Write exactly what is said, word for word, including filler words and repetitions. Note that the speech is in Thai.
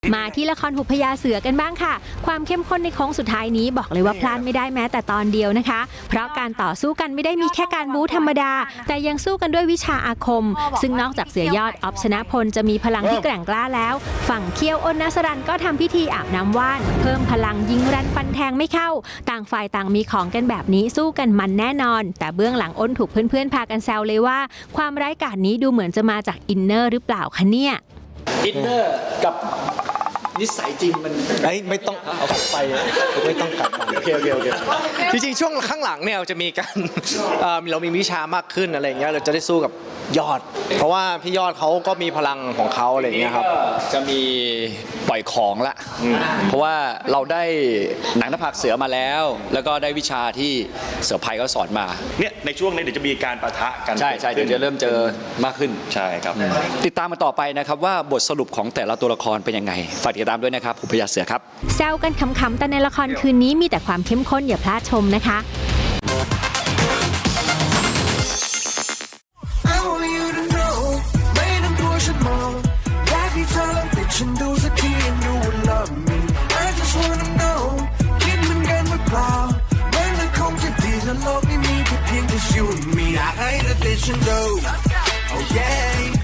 มาที่ละครหุบพญาเสือกันบ้างค่ะความเข้มข้นในโค้งสุดท้ายนี้บอกเลยว่าพลาดไม่ได้แม้แต่ตอนเดียวนะคะเพราะการต่อสู้กันไม่ได้มีแค่การบู๊ธรรมดาแต่ยังสู้กันด้วยวิชาอาคมซึ่งนอกจากเสือยอดออฟชนะพลจะมีพลังที่แกร่งกล้าแล้วฝั่งเคียวอ้นนัสรันก็ทำพิธีอาบน้ำว่านเพิ่มพลังยิงรันฟันแทงไม่เข้าต่างฝ่ายต่างมีของกันแบบนี้สู้กันมันแน่นอนแต่เบื้องหลังอ้นถูกเพื่อนๆพากันแซวเลยว่าความร้ายกาจนี้ดูเหมือนจะมาจากอินเนอร์หรือเปล่าคะเนี่ยอินเนอร์กับนิสัยจริงมันไอ้ไม่ต้องเอาไปไม่ต้องกลับโอเคโอเคโอเคจริงๆช่วงข้างหลังเนี่ยจะมีการเรามีวิชามากขึ้นอะไรเงี้ยเราจะได้สู้กับยอดเพราะว่าพี่ยอดเขาก็มีพลังของเขาอะไรเงี้ยครับจะมีปล่อยของละเพราะว่าเราได้หนังหน้าผากเสือมาแล้วแล้วก็ได้วิชาที่เสือภัยเขาสอนมาเนี่ยในช่วงนี้เดี๋ยวจะมีการปะทะกันใช่ใช่เดี๋ยวจะเริ่มเจอมากขึ้นใช่ครับติดตามมาต่อไปนะครับว่าบทสรุปของแต่ละตัวละครเป็นยังไงฝากติดตามด้วยนะครับหุบพญาเสือครับแซวกันขำๆแต่ในละครคืนนี้มีแต่ความเข้มข้นอย่าพลาดชมนะคะฉันดูสักทีand you will love me I just wanna know คิดเหมือนกันหรือเปล่าแม้มันคงจะดีถ้าโลกนี้มีแค่เพียงแต่ you and me อยากให้เธอติดฉันดู oh yeah